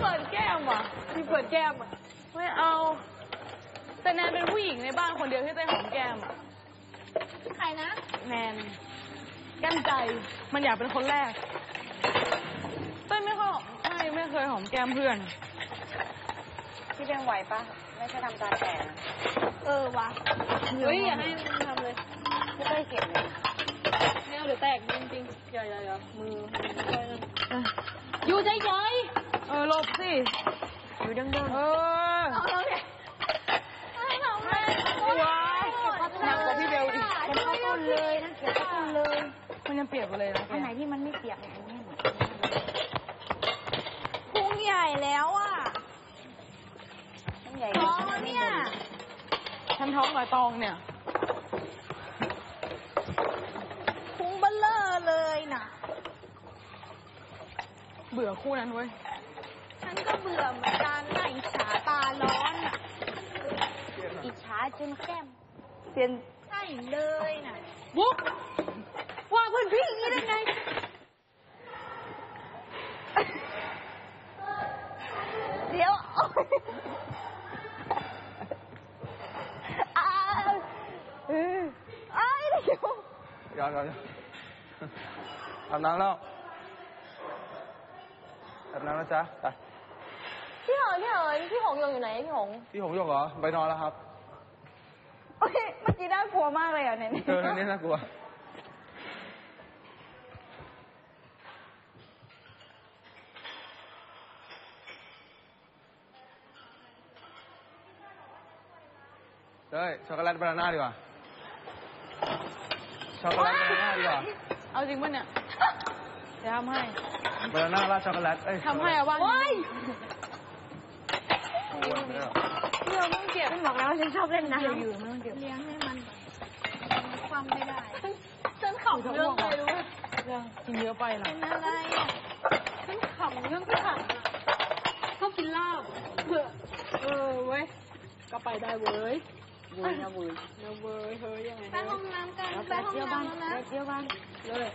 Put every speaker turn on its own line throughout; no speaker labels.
ปิดแก้มอ่ะพี่เปิดแก้มอ่ะไม่เอาแต่แนนเป็นผู้หญิงในบ้านคนเดียวที่ได้หอมแก้มอ่ะใครนะแนนแก้มใจมันอยากเป็นคนแรกเต้ยไม่เคยหอมแก้มเพื่อน
พี่เพียงไหวปะไม่ใช่ทำตาแก่
วะเฮ้ยอย่าให้มันทำเลย
ไม่ได้เก็บเลย
ไม่เอาเดี๋ยวแตกจริงๆอย่ามืออยู่ใจหลบสิ
อยู่ดัง
เอาเนี่ยให้ทำเลยว้ายหนักกว่าพี่เบลอีก
มันเข้าต้นเลยนั่นเก็บเข้าต้นเลย
มันยังเปียกอยู่เลยนะ
อันไหนที่มันไม่เปียกอันนี้
พุงใหญ่แล้วอ่ะ
ใหญ่
ท้องเนี่ยฉันท้องหน่อยตองเนี่ยพุงเบลเลอร์เลยน่ะเบื่อคู่นั้นเว้ยฉันก็เบื่อเหมือนกันน่ะอิจฉาตาร้อนอ่ะ
อิจฉาจนแก้ม
เปลี่ยนใช่เลยน่ะบุ๊กว่าเพื่อนพี่อย่างนี้ได้ไงเดี๋ยว
ย้อนอาบน้ำแล้วอาบน้ำแล้วจ๊ะไป
พี่หงอยู่ไหนพี่หง
ยกเหรอไปนอนแล้วครับ
เมื่อกี้น่ากลัวมากเลยอ่ะเนี่ย
นี่น่ากลัวเฮ้ยช็อกโกแลตบานาน่าดีกว่าช็อกโกแลตบานาน่าดีกว่า
เอาจริงป่ะเนี่ยจะทำให้
บานาน่าราดช็อกโกแลต
ทำให้เอาบ้างโอ้ย
เรื่องต้องเก็บไม่บอกแล้วฉันชอบเล่นน้ำ
อยู่ไม่ต้องเก็บ
เลี้ยงให้มันความไม่ได้
ฉันขำเรื่องอะไรรู้ไหมเรื่องกินเยอะไปหรอ
เป็นอะไร
ฉันขำเรื่องที่ขำชอบกินลาบเว้ยก็ไปได้เว้ย
เว้ยนะเว้ย
เฮ้ยยังไง
ไปห้องน้ำกันไปห้องน้ำนะ
เที่ยวบ้านเลย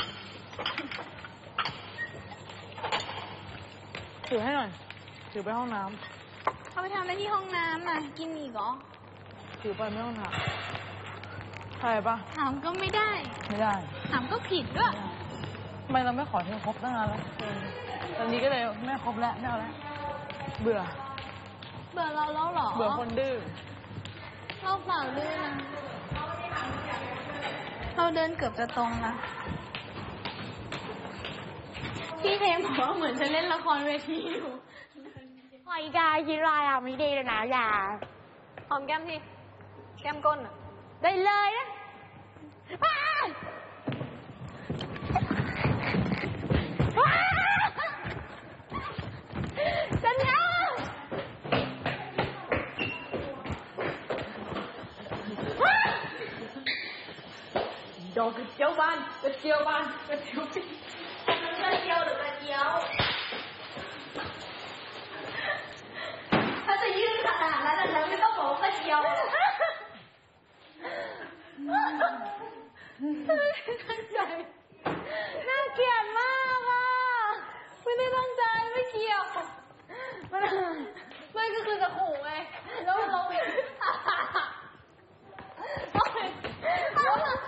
ถือให้หน่อยถือไปห้องน้ำ
เขาไปทำอะไรที่ห้องน้ำอ่ะกินอีกเหรอ
ถือไปไม่ต้องถามใช่ปะ
ถามก็ไม่ได้ถามก็ผิดด้วย
ทำไมเราไม่ขอเธอครบตั้งนานแล้วตอนนี้ก็เลยไม่ครบแล้วไม่เอาแล้วเบื่อ
เราแล้วหรอ
เบื่อคนดื้อ
เราเปล่าดื้อนะเราเดินเกือบจะตรงละพี่เทมบอกว่าเหมือนจะเล่นละครเวทีอยู่
พอยกายคิดไรอ่ะไม่ดีเลยนะอย่า
หอมแก้มที่แก้มก้นอ่ะ
ได้เลยนะฉันเอาดอกกระเจียวบานหรือกระเจียว
ถ้าจะยื่นขนาดนั้นแล้วไม่ต้องบอกกระเจียว
ตั้งใจน่าเกลียดมากอ่ะไม่ได้ตั้งใจไม่เกี่ยวไม่ก็คือจะขู่ไงแล้วเรา